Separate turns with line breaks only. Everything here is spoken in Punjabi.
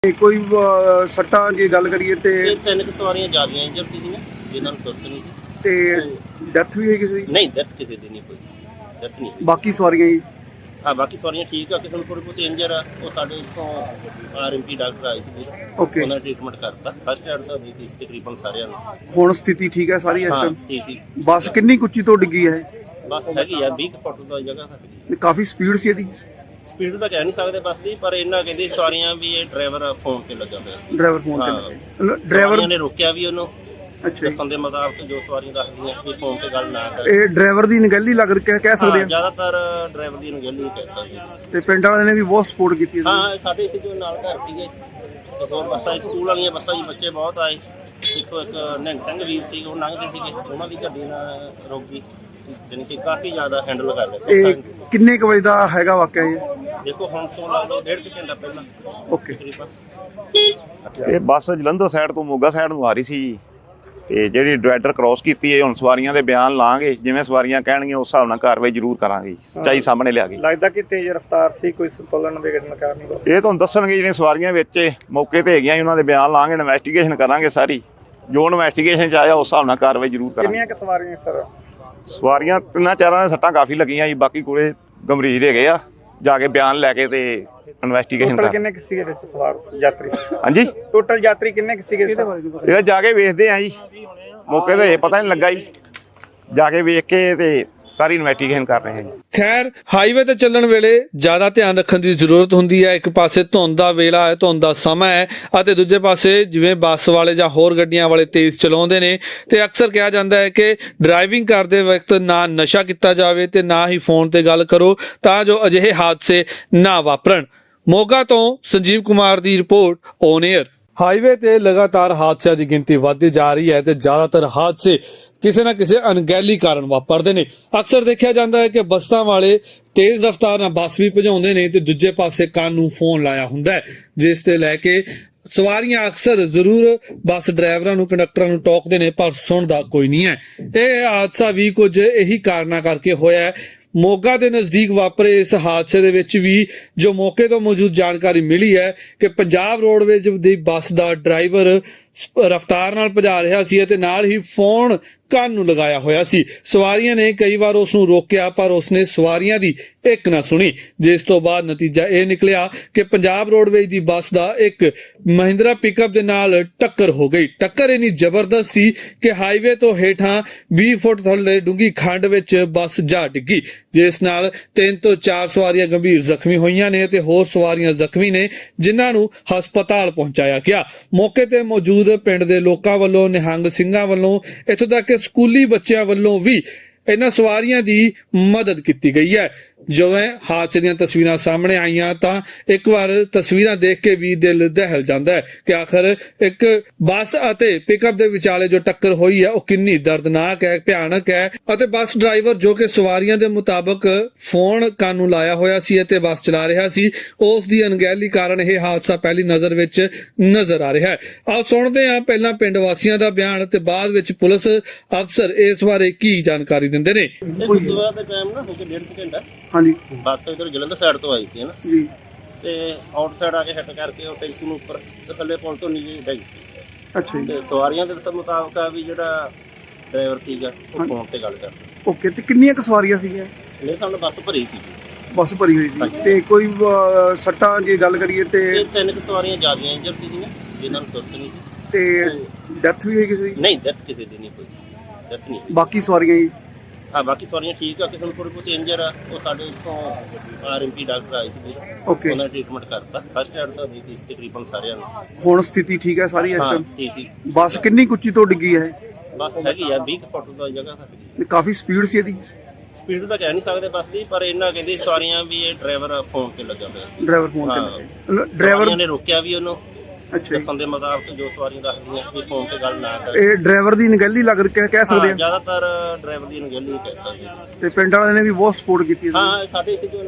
कोई सट्टा जे गल करिए ते
तीन सवारियां ज्यादा इंजर सी जिन्होंने सुरत नहीं सी
ते डेथ भी है किसी दी?
नहीं डेथ किसी दी नहीं, कोई डेथ नहीं।
बाकी सवारियां जी?
हाँ बाकी सवारियां ठीक है, किसी को थोड़ी बहुत इंजर है वो साढ़े इतों RMP डॉक्टर आए थे,
ओके
उन्होंने ट्रीटमेंट करता फर्स्ट एड तो दी थी तकरीबन सारे
हुण स्थिति ठीक है सारी इस
हाँ
टाइम?
ठीक थी।
बस कितनी कुच्ची तो डिग्गी है?
बस हैगी है 20 फुट तो जगह है,
काफी स्पीड सी ਇਹਦੀ?
स्पीड तो कह नहीं सकते बस की, पर इन्ना कहते सवारियां भी ये ड्राइवर फोन से लगा पाया,
ड्राइवर फोन
हाँ
ते ड्राइवर
ने रोकिया भी ਉਹਨੂੰ
अच्छा
ਦੱਸਣ ਦੇ ਮੁਤਾਬਕ ਜੋ ਸਵਾਰੀਆਂ ਦੱਸਦੀਆਂ ਕਿ ਫੋਨ ਤੇ ਗੱਲ ਨਾ ਕਰੇ।
ਇਹ ਡਰਾਈਵਰ ਦੀ ਨਿਗਲੀ ਲੱਗ ਕਹਿ ਸਕਦੇ ਆ?
ਜ਼ਿਆਦਾਤਰ ਡਰਾਈਵਰ ਦੀ ਨਿਗਲੀ ਕਹਿ ਸਕਦੇ
ਤੇ ਪਿੰਡ ਵਾਲਿਆਂ ਨੇ ਵੀ ਬਹੁਤ ਸਪੋਰਟ ਕੀਤੀ ਹੈ।
ਹਾਂ ਸਾਡੇ ਇੱਥੇ ਜੋ ਨਾਲ ਘਰ ਸੀਗੇ ਤੇ ਹੋਰ ਬੱਸਾਂ ਸਕੂਲ ਵਾਲੀਆਂ ਬੱਸਾਂ ਜੀ ਬੱਚੇ ਬਹੁਤ ਆਏ, ਇੱਕੋ ਇੱਕ ਨਿਹੰਗ ਸਿੰਘ ਵੀਰ ਸੀ ਉਹ ਲੰਘਦੇ ਸੀਗੇ, ਉਹਨਾਂ ਦੀ ਗੱਡੀ ਨਾਲ ਰੁਕ ਗਈ, ਜਾਣੀ ਕਿ ਕਾਫੀ ਜ਼ਿਆਦਾ ਹੈਂਡਲ ਕਰ ਰਹੇ।
ਇਹ ਕਿੰਨੇ ਕੁ ਵਜੇ ਦਾ ਹੈਗਾ ਵਾਕਿਆ ਇਹ?
ਦੇਖੋ ਹੁਣ ਤੋਂ ਲਾ ਲਓ 1.5 ਘੰਟਾ ਪਹਿਲਾਂ।
ਓਕੇ
ਇਹ ਬੱਸ ਜਲੰਧਰ ਸਾਈਡ ਤੋਂ ਮੋਗਾ ਸਾਈਡ ਨੂੰ ਆ ਰਹੀ ਸੀ ਜੀ, ਤੇ ਜਿਹੜੀ ਡਿਵਾਈਡਰ ਕ੍ਰੋਸ ਕੀਤੀ ਹੈ ਹੁਣ ਸਵਾਰੀਆਂ ਦੇ ਬਿਆਨ ਲਾਂਗੇ, ਜਿਵੇਂ ਸਵਾਰੀਆਂ ਕਹਿਣਗੀਆਂ ਉਸ ਹਿਸਾਬ ਨਾਲ ਕਾਰਵਾਈ ਜ਼ਰੂਰ ਕਰਾਂਗੇ, ਸੱਚਾਈ ਸਾਹਮਣੇ ਲਿਆ ਕੇ।
ਲੱਗਦਾ ਕਿ ਤੇਜ਼ ਰਫ਼ਤਾਰ ਸੀ, ਕੋਈ ਸੰਤੁਲਨ ਵਿਗੜਨ ਕਾਰਨ?
ਇਹ ਤੁਹਾਨੂੰ ਦੱਸਣਗੇ ਜਿਹੜੀਆਂ ਸਵਾਰੀਆਂ ਵਿੱਚ ਮੌਕੇ ਤੇ ਹੈਗੀਆਂ ਉਹਨਾਂ ਦੇ ਬਿਆਨ ਲਾਂਗੇ, ਇਨਵੈਸਟੀਗੇਸ਼ਨ ਕਰਾਂਗੇ ਸਾਰੀ, ਜੋ ਇਨਵੈਸਟੀਗੇਸ਼ਨ 'ਚ ਆਇਆ ਉਸ ਹਿਸਾਬ ਨਾਲ ਕਾਰਵਾਈ ਜ਼ਰੂਰ ਕਰਾਂਗੇ।
ਕਿੰਨੀਆਂ ਕੁ ਸਵਾਰੀਆਂ ਸਰ?
ਸਵਾਰੀਆਂ ਤਿੰਨਾਂ ਚਾਰਾਂ ਦੇ ਸੱਟਾਂ ਕਾਫੀ ਲੱਗੀਆਂ ਜੀ, ਬਾਕੀ ਕੋਲੇ ਗੰਭੀਰ ਹੈਗੇ ਆ, ਜਾ ਕੇ ਬਿਆਨ ਲੈ ਕੇ ਤੇ ਇਨਵੈਸਟੀਗੇਸ਼ਨ
ਟੋਟਲ
ਕਰਾਂਗੇ।
ਕਿੰਨੇ ਕੁ ਸੀਗੇ ਵਿੱਚ ਸਵਾਰ ਯਾਤਰੀ?
ਹਾਂਜੀ
ਟੋਟਲ ਯਾਤਰੀ ਕਿੰਨੇ ਕੁ ਸੀਗੇ?
ਇਹ ਜਾ ਕੇ ਵੇਖਦੇ ਆ ਜੀ, ਮੌਕੇ ਤੇ ਇਹ ਪਤਾ ਨਹੀਂ ਲੱਗਾ ਜੀ, ਜਾ ਕੇ ਵੇਖ ਕੇ ਤੇ ਸਾਰੀ ਇਨਵੈਸਟੀਗੇਸ਼ਨ ਕਰ ਰਹੇ ਹਾਂ ਜੀ।
ਖੈਰ ਹਾਈਵੇ ਤੇ ਚੱਲਣ ਵੇਲੇ ਜ਼ਿਆਦਾ ਧਿਆਨ ਰੱਖਣ ਦੀ ਜ਼ਰੂਰਤ ਹੁੰਦੀ ਹੈ। ਇੱਕ ਪਾਸੇ ਧੁੰਦ ਦਾ ਵੇਲਾ ਹੈ, ਧੁੰਦ ਦਾ ਸਮਾਂ ਹੈ, ਅਤੇ ਦੂਜੇ ਪਾਸੇ ਜਿਵੇਂ ਬੱਸ ਵਾਲੇ ਜਾਂ ਹੋਰ ਗੱਡੀਆਂ ਵਾਲੇ ਤੇਜ਼ ਚਲਾਉਂਦੇ ਨੇ, ਤੇ ਅਕਸਰ ਕਿਹਾ ਜਾਂਦਾ ਹੈ ਕਿ ਡਰਾਈਵਿੰਗ ਕਰਦੇ ਵਕਤ ਨਾ ਨਸ਼ਾ ਕੀਤਾ ਜਾਵੇ ਤੇ ਨਾ ਹੀ ਫੋਨ ਤੇ ਗੱਲ ਕਰੋ, ਤਾਂ ਜੋ ਅਜਿਹੇ ਹਾਦਸੇ ਨਾ ਵਾਪਰਨ। ਮੋਗਾ ਤੋਂ ਸੰਜੀਵ ਕੁਮਾਰ ਦੀ ਰਿਪੋਰਟ ਔਨ 에ਅਰ। ਹਾਈਵੇ ਤੇ ਲਗਾਤਾਰ ਹਾਦਸਿਆਂ ਦੀ ਗਿਣਤੀ ਵੱਧਦੀ ਜਾ ਰਹੀ ਹੈ ਤੇ ਜ਼ਿਆਦਾਤਰ ਹਾਦਸੇ ਕਿਸੇ ਨਾ ਕਿਸੇ ਅਣਗਹਿਲੀ ਕਾਰਨ ਵਾਪਰਦੇ ਨੇ। ਅਕਸਰ ਦੇਖਿਆ ਜਾਂਦਾ ਹੈ ਕਿ ਬੱਸਾਂ ਵਾਲੇ ਤੇਜ਼ ਰਫ਼ਤਾਰ ਨਾਲ ਬੱਸ ਵੀ ਭਜਾਉਂਦੇ ਨੇ ਤੇ ਦੂਜੇ ਪਾਸੇ ਕੰਨ ਨੂੰ ਫੋਨ ਲਾਇਆ ਹੁੰਦਾ ਹੈ, ਜਿਸ ਤੇ ਲੈ ਕੇ ਸਵਾਰੀਆਂ ਅਕਸਰ ਜ਼ਰੂਰ ਬੱਸ ਡਰਾਈਵਰਾਂ ਨੂੰ ਕੰਡਕਟਰਾਂ ਨੂੰ ਟੋਕਦੇ ਨੇ, ਪਰ ਸੁਣਦਾ ਕੋਈ ਨਹੀਂ ਹੈ। ਇਹ ਹਾਦਸਾ ਵੀ ਕੁਝ ਇਹੀ ਕਾਰਨਾਂ ਕਰਕੇ ਹੋਇਆ ਹੈ। ਮੋਗਾ ਦੇ ਨਜ਼ਦੀਕ ਵਾਪਰੇ ਇਸ ਹਾਦਸੇ ਦੇ ਵਿੱਚ ਵੀ ਜੋ ਮੌਕੇ ਤੋਂ ਮੌਜੂਦ ਜਾਣਕਾਰੀ ਮਿਲੀ ਹੈ ਕਿ ਪੰਜਾਬ ਰੋਡਵੇਜ਼ ਦੀ ਬੱਸ ਦਾ ਡਰਾਈਵਰ ਰਫ਼ਤਾਰ ਨਾਲ ਭਜਾ ਰਿਹਾ ਸੀ ਅਤੇ ਨਾਲ ਹੀ ਫੋਨ ਕੰਨ ਨੂੰ ਲਗਾਇਆ ਹੋਇਆ ਸੀ। ਸਵਾਰੀਆਂ ਨੇ ਕਈ ਵਾਰ ਉਸ ਨੂੰ ਰੋਕਿਆ, ਪਰ ਉਸਨੇ ਸਵਾਰੀਆਂ ਦੀ ਇੱਕ ਨਾ ਸੁਣੀ, ਜਿਸ ਤੋਂ ਬਾਅਦ ਨਤੀਜਾ ਇਹ ਨਿਕਲਿਆ ਕਿ ਪੰਜਾਬ ਰੋਡਵੇਜ਼ ਦੀ ਬੱਸ ਦਾ ਇੱਕ ਮਹਿੰਦਰਾ ਪਿਕਅਪ ਦੇ ਨਾਲ ਟੱਕਰ ਹੋ ਗਈ। ਟੱਕਰ ਇੰਨੀ ਜ਼ਬਰਦਸਤ ਸੀ ਕਿ ਹਾਈਵੇ ਤੋਂ ਹੇਠਾਂ 20 ਫੁੱਟ ਥੱਲੇ ਡੂੰਘੀ ਖੱਡ ਵਿੱਚ ਬੱਸ ਜਾ ਡਿੱਗੀ, ਜਿਸ ਨਾਲ 3 ਤੋਂ 4 ਸਵਾਰੀਆਂ ਗੰਭੀਰ ਜ਼ਖਮੀ ਹੋਈਆਂ ਨੇ ਤੇ ਹੋਰ ਸਵਾਰੀਆਂ ਜ਼ਖਮੀ ਨੇ, ਜਿਨ੍ਹਾਂ ਨੂੰ ਹਸਪਤਾਲ ਪਹੁੰਚਾਇਆ ਗਿਆ। ਮੌਕੇ ਤੇ ਮੌਜੂਦ ਪਿੰਡ ਦੇ ਲੋਕਾਂ ਵੱਲੋਂ, ਨਿਹੰਗ ਸਿੰਘਾਂ ਵੱਲੋਂ, ਇੱਥੋਂ ਤੱਕ ਕਿ ਸਕੂਲੀ ਬੱਚਿਆਂ ਵੱਲੋਂ ਵੀ ਇਹਨਾਂ ਸਵਾਰੀਆਂ ਦੀ ਮਦਦ ਕੀਤੀ ਗਈ ਹੈ। ਜਦੋਂ ਹਾਦਸੇ ਦੀਆਂ ਤਸਵੀਰਾਂ ਸਾਹਮਣੇ ਆਈਆਂ ਤਾਂ ਇੱਕ ਵਾਰ ਤਸਵੀਰਾਂ ਦੇਖ ਕੇ ਵੀ ਦਿਲ ਦਹਿਲ ਜਾਂਦਾ ਹੈ ਕਿ ਆਖਰ ਇੱਕ ਬੱਸ ਅਤੇ ਪਿਕਅਪ ਦੇ ਵਿਚਾਲੇ ਜੋ ਟੱਕਰ ਹੋਈ ਹੈ ਉਹ ਕਿੰਨੀ ਦਰਦਨਾਕ ਹੈ, ਭਿਆਨਕ ਹੈ, ਅਤੇ ਬੱਸ ਡਰਾਈਵਰ ਜੋ ਕਿ ਸਵਾਰੀਆਂ ਦੇ ਮੁਤਾਬਕ ਫੋਨ ਕੰਨ ਨੂੰ ਲਾਇਆ ਹੋਇਆ ਸੀ ਅਤੇ ਬੱਸ ਚਲਾ ਰਿਹਾ ਸੀ, ਉਸ ਦੀ ਅਣਗਹਿਲੀ ਕਾਰਨ ਇਹ ਹਾਦਸਾ ਪਹਿਲੀ ਨਜ਼ਰ ਵਿੱਚ ਨਜ਼ਰ ਆ ਰਿਹਾ ਹੈ। ਆਓ ਸੁਣਦੇ ਹਾਂ ਪਹਿਲਾਂ ਪਿੰਡ ਵਾਸੀਆਂ ਦਾ ਬਿਆਨ ਤੇ ਬਾਅਦ ਵਿੱਚ ਪੁਲਿਸ ਅਫਸਰ ਇਸ ਬਾਰੇ ਕੀ ਜਾਣਕਾਰੀ ਦਿੰਦੇ ਨੇ।
ਸਵੇਰ ਦੇ ਟਾਈਮ ਨਾ ਹੋ ਕੇ 1.5 ਘੰਟਾ
ਹਾਂਜੀ
ਬੱਸ ਇਧਰ ਜਲੰਧਰ ਸਾਈਡ ਤੋਂ ਆਈ ਸੀ ਨਾ
ਜੀ,
ਤੇ ਆਊਟ ਸਾਈਡ ਆ ਕੇ ਹਿੱਟ ਕਰਕੇ ਉਹ ਟੈਂਕੀ ਨੂੰ ਉੱਪਰ ਤੇ ਥੱਲੇ ਪੁਲ ਤੋਂ ਨੀਚੇ ਡਿੱਗ ਗਈ।
ਅੱਛਾ ਜੀ,
ਤੇ ਸਵਾਰੀਆਂ ਦੇ ਦੱਸਣ ਮੁਤਾਬਕ ਆ ਵੀ ਜਿਹੜਾ ਡਰਾਈਵਰ ਸੀਗਾ ਉਹ ਫੋਨ ਤੇ ਗੱਲ ਕਰਦਾ।
ਓਕੇ ਤੇ ਕਿੰਨੀਆਂ ਕੁ ਸਵਾਰੀਆਂ ਸੀਗੀਆਂ?
ਮੇਰੇ ਸਾਹਮਣੇ ਬੱਸ ਭਰੀ ਸੀ
ਬੱਸ ਭਰੀ ਹੋਈ ਸੀ ਤੇ ਕੋਈ ਸੱਟਾ ਜੇ ਗੱਲ ਕਰੀਏ ਤੇ
ਤੇ ਤਿੰਨ ਸਵਾਰੀਆਂ ਜ਼ਿਆਦਾ ਇੰਜਰ ਸੀਗੀਆਂ, ਜਿਨ੍ਹਾਂ ਨੂੰ ਸੁਰਤ ਨਹੀਂ सी
ਤੇ ਡੈਥ ਵੀ ਹੈ ਕਿਸੇ ਦੀ?
ਨਹੀਂ ਡੈਥ ਕਿਸੇ ਦੀ ਨਹੀਂ, ਕੋਈ ਡੈਥ ਨਹੀਂ।
ਬਾਕੀ ਸਵਾਰੀਆਂ ਜੀ?
ਹਾਂ ਬਾਕੀ ਸਵਾਰੀਆਂ ਠੀਕ ਆ, ਕਿਸੇ ਨੂੰ ਥੋੜੀ ਬਹੁਤ ਇੰਜਰ ਆ ਉਹ ਸਾਡੇ ਇੱਥੋਂ RMP ਡਾਕਟਰ ਆਏ ਸੀ,
ਓਕੇ
ਉਹਨਾਂ ਨੇ ਟ੍ਰੀਟਮੈਂਟ ਕਰਤਾ ਫਰਸਟ ਐਡ ਤਾਂ ਦੀ ਥੀ ਤਕਰੀਬਨ ਸਾਰਿਆਂ ਨੂੰ।
ਹੁਣ ਸਥਿਤੀ ਠੀਕ ਹੈ ਸਾਰੀ ਇਸ
ਹਾਂ
ਟਾਈਮ?
ਠੀਕ ਸੀ।
ਬੱਸ ਕਿੰਨੀ ਕੁੱਚੀ ਤੋਂ ਡਿੱਗੀ ਹੈ?
ਬੱਸ ਹੈਗੀ ਆ 20 ਫੁੱਟ ਤੋਂ ਜਗ੍ਹਾ ਹੈ।
ਕਾਫੀ ਸਪੀਡ ਸੀ ਇਹਦੀ?
ਸਪੀਡ ਤਾਂ ਕਹਿ ਨਹੀਂ ਸਕਦੇ ਬੱਸ ਦੀ, ਪਰ ਇਹਨਾਂ ਕਹਿੰਦੇ ਸਵਾਰੀਆਂ ਵੀ ਇਹ ਡਰਾਈਵਰ ਫੋਨ ਤੇ ਲੱਗਾ ਪਿਆ ਸੀ।
ਡਰਾਈਵਰ ਫੋਨ
ਹਾਂ
ਤੇ ਡਰਾਈਵਰ
ਨੇ ਰੋਕਿਆ ਵੀ ਉਹਨੂੰ,
ਅੱਛਾ ਜੀ,
ਦੱਸਣ ਦੇ ਮੁਤਾਬਕ ਜੋ ਸਵਾਰੀਆਂ ਦੱਸਦੀਆਂ ਕਿ ਫੋਨ ਤੇ ਗੱਲ ਨਾ ਕਰੇ।
ਇਹ ਡਰਾਈਵਰ ਦੀ ਨਿਗਲੀ ਲੱਗ ਕਹਿ ਸਕਦੇ ਆ?
ਜ਼ਿਆਦਾਤਰ ਡਰਾਈਵਰ ਦੀ ਨਿਗਲੀ ਕਹਿ ਸਕਦੇ।
ਤੇ ਪਿੰਡ ਵਾਲਿਆਂ ਨੇ ਵੀ ਬਹੁਤ ਸਪੋਰਟ ਕੀਤੀ ਹੈ।
ਹਾਂ ਸਾਡੇ ਇੱਥੇ ਜੋ